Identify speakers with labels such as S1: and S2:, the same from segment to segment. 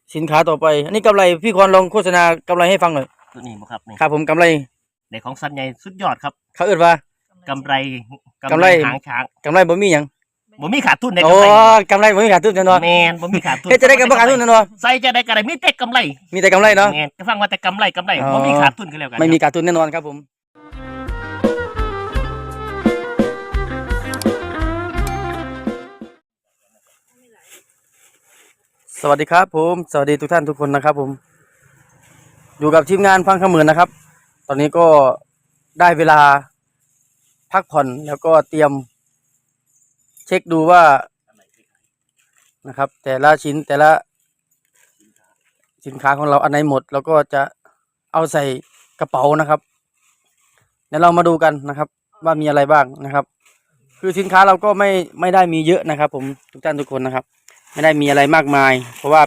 S1: สินค้าต่อไปอันนี้กำไรพี่ควรลองโฆษณากำไรให้ฟังหน่อย
S2: ตัวนี้บ่ครับนี่
S1: ครับผมกำไร
S2: ในของสัตว์ใหญ่สุดยอดครับ
S1: เขาเอิ้นว่าก
S2: ำไร
S1: กำไร
S2: หางช้าง
S1: กำไรบ่มีหยัง
S2: บ่มีขาดทุนใน
S1: โอ้
S2: กำไร
S1: กำไรบ่มีขาดทุนแน่นอน
S2: แมนบ่มีขาดทุน
S1: เฮ็ดจะได้กับบ่ขาดทุนแน่นอน
S2: ใส่จะได้กำไรมีแต่กำไร
S1: มีแต่กำไรเนาะ
S2: แมนก็ฟังว่าแต่กำไร
S1: อ๋อ
S2: บ่มีขาดทุนกันแล้วกัน
S1: ไม่มีขาดทุนแน่นอนครับผมสวัสดีครับผมสวัสดีทุกท่านทุกคนนะครับผมอยู่กับทีมงานฟังคำเหมือนนะครับ ตอนนี้ก็ได้เวลาพักผ่อนแล้วก็เตรียมเช็คดูว่านะครับ แต่ละชิ้นแต่ละสินค้าของเราอันไหนหมดเราก็จะเอาใส่กระเป๋านะครับเดี๋ยวเรามาดูกันนะครับ ว่ามีอะไรบ้างนะครับ คือสินค้าเราก็ไม่ได้มีเยอะนะครับ ผมทุกท่านทุกคนนะครับ ไม่ได้มีอะไรมากมาย เพราะว่า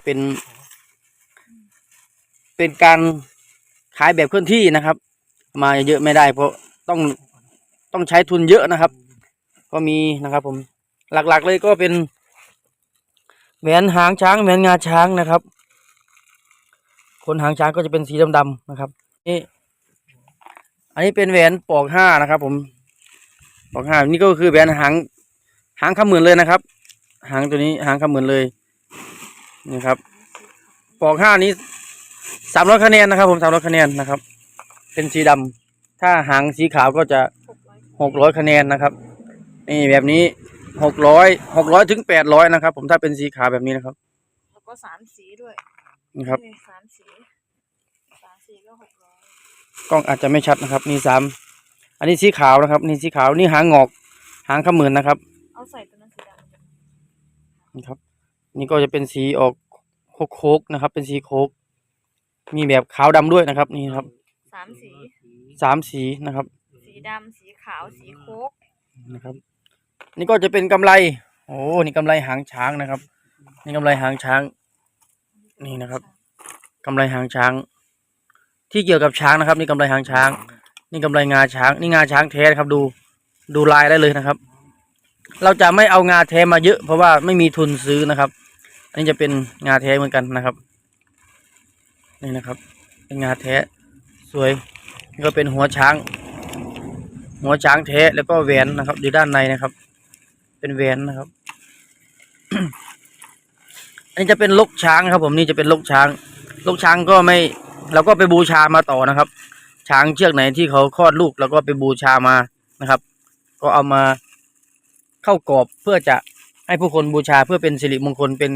S1: เป็นการขายแบบเคลื่อนที่นะครับ มาเยอะไม่ได้ เพราะต้องใช้ทุนเยอะนะครับ ก็มีนะครับ ผมหลักๆเลยก็เป็นแหวนหางช้างแหวนงาช้างนะครับคนหางช้างก็จะเป็นสีดำๆนะครับนี่อันนี้เป็นแหวนปอกห้านะครับ ผมปอกห้านี่ก็คือแหวนหางคำหมื่นเลยนะครับ หางตัวนี้หางคำหมื่นเลยนี่ครับปอกห้านี้300 คะแนนนะครับ ผม300 คะแนนนะครับ เป็นสีดำถ้าหางสีขาวก็จะ600 คะแนนนะครับนี่แบบนี้600ถึง800นะครับ ผมถ้าเป็นสีขาวแบบนี้นะครับ
S3: แล้วก็3 สีด้วย
S1: นี่ครับ
S3: 3 สีก็600
S1: กล้องอาจจะไม่ชัดนะครับนี่อันนี้สีขาวนะครับนี่สีขาวนี่หางงอกหางขมื่นนะครับ
S3: เอาใส่ตัวนั้นสีดำ
S1: นี่ครับนี่ก็จะเป็นสีออกโคกนะครับ เป็นสีโคกมีแบบขาวดำด้วยนะครับนี่ครับ3 สีนะครับ
S3: สีดำสีขาวสีโคก
S1: นะครับนี่ก็จะเป็นกำไรโอ้นี่กำไรหางช้างนะครับนี่กำไรหางช้างนี่นะครับกำไรหางช้างที่เกี่ยวกับช้างนะครับนี่กำไรหางช้างนี่กำไรงาช้างนี่งาช้างแท้นะครับดูลายได้เลยนะครับ เราจะไม่เอางาแท้มาเยอะเพราะว่าไม่มีทุนซื้อนะครับอันนี้จะเป็นงาแท้เหมือนกันนะครับนี่นะครับเป็นงาแท้สวยนี่ก็เป็นหัวช้างแท้แล้วก็แหวนนะครับอยู่ด้านในนะครับ เป็นแหวนนะครับ อันนี้จะเป็นลกช้างครับผมนี่จะเป็นลกช้างก็ไม่เราก็ไปบูชามาต่อนะครับ ช้างเชือกไหนที่เขาคลอดลูกเราก็ไปบูชามานะครับ ก็เอามาเข้ากรอบเพื่อจะให้ผู้คนบูชาเพื่อเป็นสิริมงคลเป็น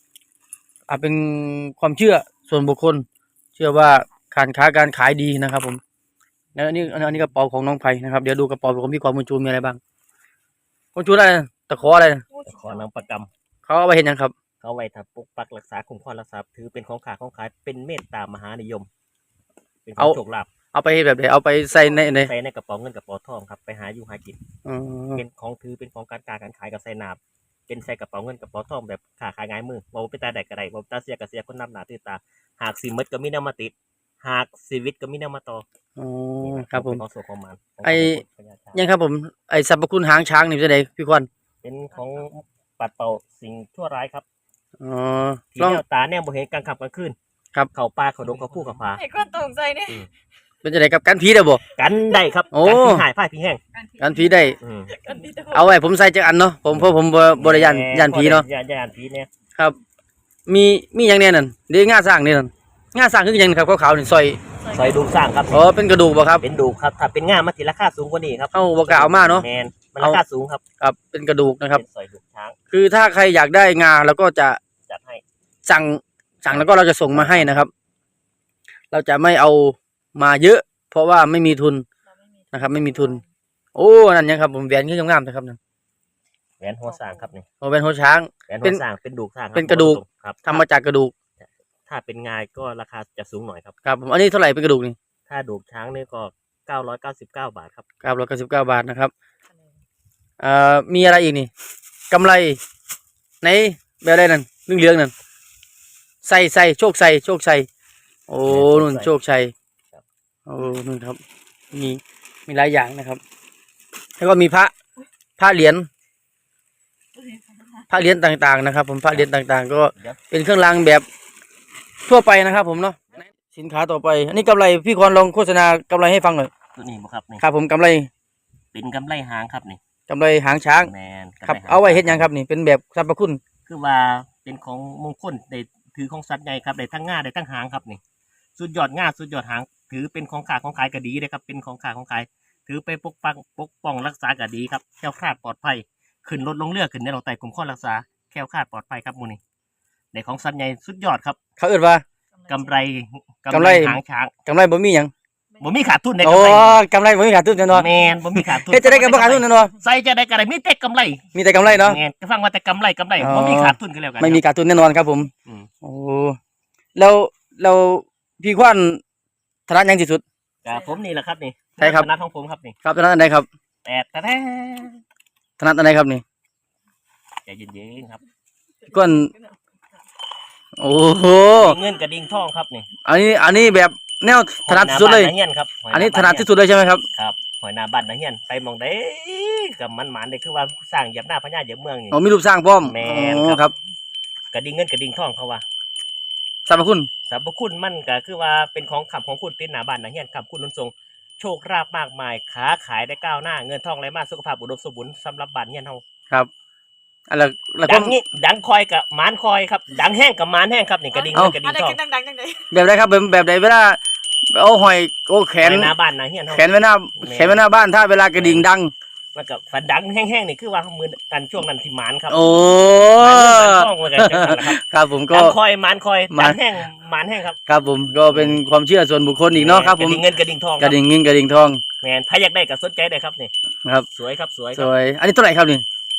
S1: ความเชื่อส่วนบุคคล เชื่อว่าการค้าการขายดีนะครับ ผมแล้วอันนี้กระเป๋าของน้องไผ่นะครับเดี๋ยวดูกระเป๋าของพี่ความบุญชูมีอะไรบ้างบุญชูอะไรตะขออะไร
S2: ตะขอนางประกำ
S1: เขาเอาไปเห็นยังครับ
S2: เขาไว้ถ้าปกปักรักษาคุ้มครองรักษาถือเป็นของขายเป็นเมตตามหานิยมเป็นของโชคลาภ
S1: เอาไปแบบไหนเอาไปใส่
S2: ในกระเป๋าเงินกระเป๋าทองครับไปหาอยู่หากินเป็นของถือเป็นของการขายกับใส่นาบเป็นใส่กระเป๋าเงินกระเป๋าทองแบบขาขายง่ายมือว่าเป็นตาแดกกระไดว่าตาเสียกระเสียคนนำหนาตื่นตาหากสิมดก็มีแนวมาติดหากชีวิตก็มีแนวมาต่อ
S1: ครับผม
S2: ของโสของมัน
S1: ยังครับผมไอสรรพคุณหางช้างนี่จะไหนพี่ควัน
S2: เป็นของปัดเป่าสิ่งชั่วร้ายครับที่
S1: แน
S2: วตาแนวบ่เห็นกลางค่ำกลางคืน
S1: ครับ
S2: เขาปลาเขาดงเขาผู้เขาผา
S3: ไอ้ก็ตกใจเนี่ย
S1: เป็นจะไหนกับกันผีได้บ่
S2: กันได้ครับกันผีหายผ้าผีแห้ง
S1: กันผีได้เอาไว้ผมใส่จักอันเนาะผมเพราะผมบริยานผีเนาะ
S2: ยานผีเนี่ย
S1: ครับมีอย่างเนี้ยนั่นเดี๋ยวง่าสร้างนี่นั่นง่าสร้างคืออย่างครับขาวๆนี่ซ
S2: อยดูสร้างครับ
S1: อ๋อเป็นกระดูกบ่ครับ
S2: เป็นดูครับถ้าเป็นง่ามันสิราคาสูงกว่านี้ครับ
S1: เอาบ่กล้าเอามาเนาะ
S2: แมนมันราคาสูงครับ
S1: ครับเป็นกระดูกนะครับ
S2: เป็นซอยดูช้าง
S1: คือถ้าใครอยากได้งาเราก็จะ
S2: จัดให้
S1: สั่งแล้วก็เราจะส่งมาให้นะครับ เราจะไม่เอามาเยอะเพราะว่าไม่มีทุนนะครับไม่มีทุนโอ้นั่นยังครับผมแหวนขึ้นงามๆนะครับนั่น
S2: แหวนหัวสร้างครับนี่
S1: แหวนหัวช้าง
S2: แหวนหัวสร้างเป็นดูสร้าง
S1: เป็นกระดูกครับทำมาจากกระดูก
S2: ถ้าเป็นงาก็ราคาจะสูงหน่อยครับ
S1: ครับผมอันนี้เท่าไหร่เป็นกระดูกนี่
S2: ถ้าดูช้างนี่ก็999 บาทครับ
S1: 999 บาทนะครับมีอะไรอีกนี่กำไรในแบบอะไรนั่นเหลืองๆนั่นใส่โชคชัยโอ้นุ่นโชคชัยโอ้นุ่นครับมีหลายอย่างนะครับแล้วก็มีพระเหรียญต่างๆนะครับผมพระเหรียญต่างๆก็เป็นเครื่องรางแบบทั่วไปนะครับผมเนาะสินค้าต่อไป อันนี้กำไรพี่คอนลองโฆษณากำไรให้ฟังหน่อย
S2: ตัวนี้บ่ครับนี่
S1: ครับผมกำไร
S2: เป็นกำไรหางครับนี่
S1: กำไรหางช้าง
S2: แมนกำ
S1: ครับ
S2: ไรหง
S1: เอาไว้เฮ็ดหยังครับนี่เป็นแบบสรรพคุณ
S2: คือว่าเป็นของมงคลได้ถือของสัตว์ใหญ่ครับได้ทั้งง่าได้ทั้งหางครับนี่สุดยอดง่าสุดยอดหาง ถือเป็นของขาของขายก็ดีเลยครับเป็นของขาของขายถือไปปกป้องรักษาก็ดีครับแคล้วคลาดปลอดภัยขึ้นรถลงเรือขึ้นในเราไต่กลุ่มข้อรักษาแคล้วคลาดปลอดภัยครับหมูนี่ในของสัตว์ใหญ่สุดยอดครับ
S1: เขาเอิ้นว่าก
S2: ำไร
S1: กำไร
S2: หางช้าง
S1: กำไรบ่มีหยัง
S2: บ่มีขาดทุนใน
S1: โอ้
S2: กำไร
S1: กำไรบ่มีขาดทุนแน่นอน
S2: แมนบ่มีขาดทุน
S1: เฮ็ดจะได้กับบ่ขาดทุนแน่นอน
S2: ใส่จะได้กำไรมีแต่กำไร
S1: มีแต่กำไรเนาะ
S2: แมนก็ฟังว่าแต่กำไร
S1: อ๋อ
S2: บ่มีขาดทุนกันแล้วกัน
S1: ไม่มีขาดทุนแน่นอนครับผม
S2: อืม
S1: โอ้แล้วพี่ควันถนัดหยังที่สุด
S2: ครับผมนี่แหละครับนี่
S1: ใช่ครับ
S2: นัดของผมครับนี่
S1: ครับถนัดอันใดครับ
S2: แต่แท้
S1: ถนัดอันใดครับนี่
S2: ใจเย็นๆครับ
S1: พี่ควันโอ้โห
S2: เงินกระดิ่งทองครับนี่
S1: อันนี้แบบแนวถนัดที่สุดเลย
S2: หอยหน้าบ้านนาเฮียนครับหย
S1: อันนี้
S2: หา
S1: ถ
S2: บ้า
S1: นัดที่สุดเลยใช่ไหมครับ
S2: ครับหอยหน้าบ้านนาเฮียนไปหมองได้กับมันหมานเลยคือว่าสร้างเหยียบหน้าพญาเหยียบเมืองนี่
S1: อ๋อมีรูปสร้างพร้อม
S2: แม่น
S1: อ๋อ
S2: ครับ
S1: ครับ
S2: กระดิ่งเงินกระดิ่งทองเขาว่า
S1: สรรพคุณ
S2: สรรพคุณมันก็คือว่าเป็นของขับของคุณติดหน้าบ้านนาเฮียนขับคุณนุนทรงโชคราบมากมายค้าขายได้ก้าวหน้าเงินทองไหลมาสุขภาพอุดมสมบูรณ์สำหรับบ้านเฮียนเฮา
S1: ครับอะไรแล้ว
S2: ดั
S1: ก็
S2: งนี้ดังคอยกับหมานคอยครับดังแห้งกับหมานแห้งครับนี่กระดิ่งเงินกระดิ่
S3: อะ
S2: ง
S3: ไร
S2: ทอง
S3: กันดังๆจังได
S1: แบบไหนครับแบบไหนเวลาเอาหอยโอ้แข
S2: หอน ยหน้าบ้านนาเฮียนเฮา
S1: แขนไว้หน้าแขนไว้หน้าบ้านถ้าเวลากระดิ่งดัง
S2: แล้วก็ฝันดังแห้งๆนี่คือว่ามือกันช่วงนั้นที่หมานครับ
S1: โอ้
S2: หมานทองมากันจังนั้นแหละครับ
S1: ครับผมก็
S2: ดังคอยหมานคอย
S1: หมาน
S2: ดังแห้งหมานแห้งครับ
S1: ครับผมก็เป็นความเชื่อส่วนบุคคลอีกเนาะครับผม
S2: กระดิ่งเงินกระดิ่งทอง
S1: กระดิ่งเงินกระดิ่งทอง
S2: แมนถ้าอยากได้ก็สนใจได้ครับนี่
S1: ครับ
S2: สวยครับสวยค
S1: ส
S2: รับ
S1: วย อันนี้เท่าไหร่ครับนี่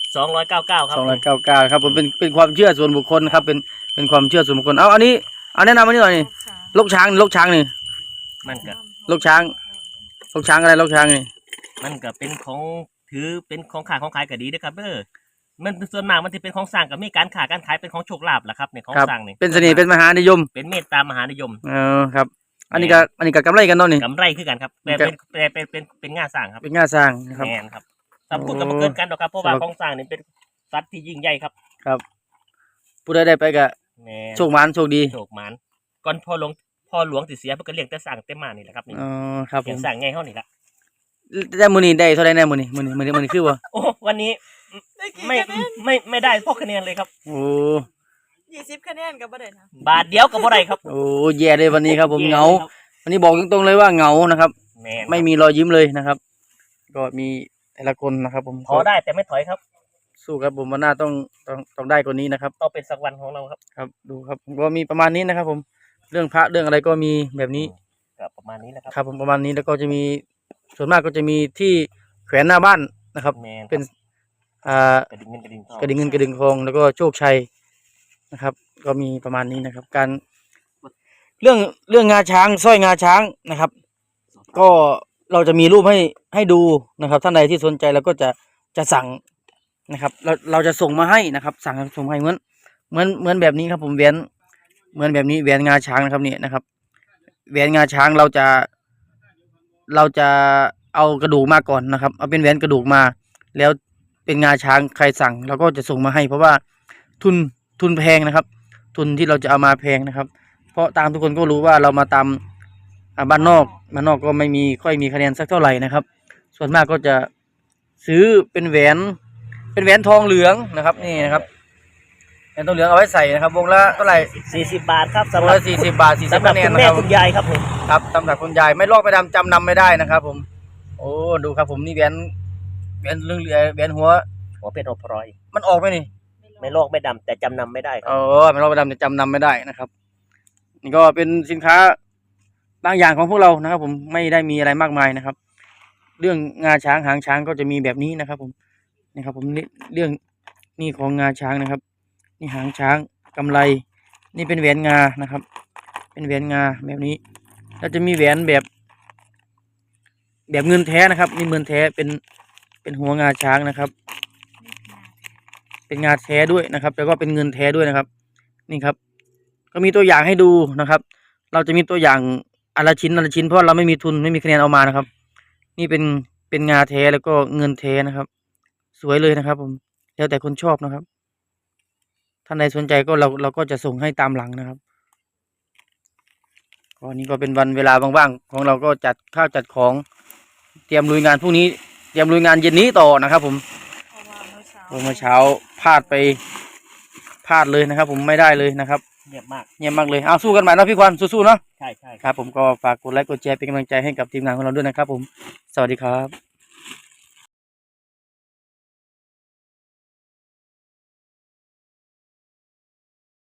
S2: 299ครับ
S1: 299ครับผมเป็นความเชื่อส่วนบุคคลครับเป็นความเชื่อส่วนบุคคลเอาอันนี้เอาแนะนำอันนี้หน่อยนี่ลกช้างนี่
S2: มันก็
S1: ลกช้างอะไรลกช้างนี่
S2: มันก็เป็นของถือเป็นของขายของขายก็ดีนะครับมันส่วนมากมันที่เป็นของสร้างก็มีการขายการขายเป็นของโชคลาภแหละครับในของ
S1: ครับ
S2: สร้างนี่
S1: เป็นเสน่ห์เป็นมหานิยม
S2: เป็นเมตตามหานิยม
S1: ครับ อันนี้ก็กำไรกันเนาะนี่
S2: กำไรคือกันครับแต่เป็นงานสร้างครับ
S1: เป็นงานสร้างนะครับ
S2: แมนครับสำคัญกับเกินกันหรอกครับเพราะว่า
S1: ครับ
S2: ของสร้างนี่เป็นสัตว์ที่ยิ่งใหญ่ครับ
S1: ผู้ใดได้ไปก็
S2: แมน
S1: โชคหมานโชคดี
S2: โชคหมานก่อนพ่อหลวงติเสียเพิ่นก็เลี้ยงแต่สร้างแต่มานี่แหละครับนี่
S1: อ๋อครับผ
S2: เลี้ย
S1: ม
S2: งสร้างไงเฮานี่ละ
S1: ได้มื้อนี้ได้เท่าไหร่แน่มื้อนี้คือว่า
S2: โอ้วันนี้
S3: ได้กี่
S2: ไม่
S3: คะแนน
S2: ไม่ได้พวกคะแนนเลยครับ
S1: โอ้
S3: 20คะแนนก็บ่ได้นะ
S2: บาทเดียวก็บ่ได้ครับ
S1: โอ้แย่เลยวันนี้ครับผมเหงา
S2: แย่ลยครับ
S1: วันนี้บอกตรงๆเลยว่าเหงานะครับ
S2: แม่น
S1: ไม่มีรอยยิ้มเลยนะครับ ก็มีแต่ละคนนะครับ ผม
S2: พอได้แต่ไม่ถอยครับ
S1: สู้ครับผมวันหน้าต้องได้กว่านี้นะครับ
S2: ต้องเป็นสักวันของเราครับ
S1: ครับดูครับผมก็มีประมาณนี้นะครับ ผมเรื่องพระเรื่องอะไรก็มีแบบนี้
S2: ก็ประมาณนี้นะครับ
S1: ครับผมประมาณนี้แล้วก็จะมีส่วนมากก็จะมีที่แขวนหน้าบ้านนะครับ
S2: แม่น
S1: เป็น
S2: กระดิ่งเงินกระดิ่งทอง
S1: กระดิ่งเงินกระดิ่งทองแล้วก็โชคชัยนะครับ ก็มีประมาณนี้นะครับ การเรื่องงาช้างสร้อยงาช้างนะครับ ก็เราจะมีรูปให้ดูนะครับท่านใดที่สนใจเราก็จะสั่งนะครับ เราจะส่งมาให้นะครับ สั่งส่งมาให้เหมือนแบบนี้ครับ ผมแหวนเหมือนแบบนี้แหวนงาช้างนะครับนี่นะครับแหวนงาช้างเราจะเอากระดูกมาก่อนนะครับ เอาเป็นแหวนกระดูกมา แล้วเป็นงาช้างใครสั่งเราก็จะส่งมาให้ เพราะว่าทุนแพงนะครับ ทุนที่เราจะเอามาแพงนะครับ เพราะตามทุกคนก็รู้ว่าเรามาตามบ้านนอกก็ไม่มีค่อยมีคะแนนสักเท่าไหร่นะครับ ส่วนมากก็จะซื้อเป็นแหวนทองเหลืองนะครับนี่นะครับแหวนทองเหลืองเอาไว้ใส่นะครับวงละเท่าไหร่
S2: 40 บาทครับ
S1: ว
S2: สำ
S1: ง
S2: หรับ
S1: ละ40 บาท40
S2: สำหรับ
S1: คะแน
S2: คุ
S1: น
S2: ณ
S1: นะ
S2: แม่
S1: ครับ
S2: คุณยายครับนี่
S1: ครับสำหรับคุณยายไม่ลอกไม่ดำจำนำไม่ได้นะครับ ผม โอ้ดูครับผมนี่แหวนเรื่องแหวนหัว
S2: หัวเป็นหัวพลอย
S1: มันออกไหมนี่
S2: ไม่ลอกไม่ดำแต่จำนำไม่ได้ครับ
S1: ไม่ลอกไม่ดำจะจำนำไม่ได้นะครับ นี่ก็เป็นสินค้าบางอย่างของพวกเรานะครับ ผมไม่ได้มีอะไรมากมายนะครับ เรื่องงาช้างหางช้างก็จะมีแบบนี้นะครับ ผมนี่ครับ ผมนี่เรื่องนี่ของงาช้างนะครับ นี่หางช้างกำไร นี่เป็นแหวนงานะครับ เป็นแหวนงาแบบนี้แล้วจะมีแหวนแบบเงินแท้นะครับ นี่เงินแท้เป็นหัวงาช้างนะครับ เป็นงาแท้ด้วยนะครับแล้วก็เป็นเงินแท้ด้วยนะครับ นี่ครับ ก็มีตัวอย่างให้ดูนะครับ เราจะมีตัวอย่างอนละชิ้นเพราะเราไม่มีทุนไม่มีคะแนนเอามานะครับ นี่เป็นงาแท้แล้วก็เงินแท้นะครับ สวยเลยนะครับ ผมแล้วแต่คนชอบนะครับท่านใดสนใจก็เราก็จะส่งให้ตามหลังนะครับก็นี่ก็เป็นวันเวลาว่างๆของเราก็จัดข้าวจัดของเตรียมลุยงานพรุ่งนี้เตรียมลุยงานเย็นนี้ต่อนะครับผม
S3: เพราะว่าเมื่อเช้า
S1: เมื่อเช้าพลาดเลยนะครับ ผมไม่ได้เลยนะครับ
S2: เงียบมาก
S1: เยี่ยมมากเลยเอาสู้กันใหม่นะพี่ควันสู้ๆเนาะ
S2: ใช่ใช่
S1: ครับผมก็ฝากกดไลค์กดแชร์เป็นกำลังใจให้กับทีมงานของเราด้วยนะครับผมสวัสดีครับ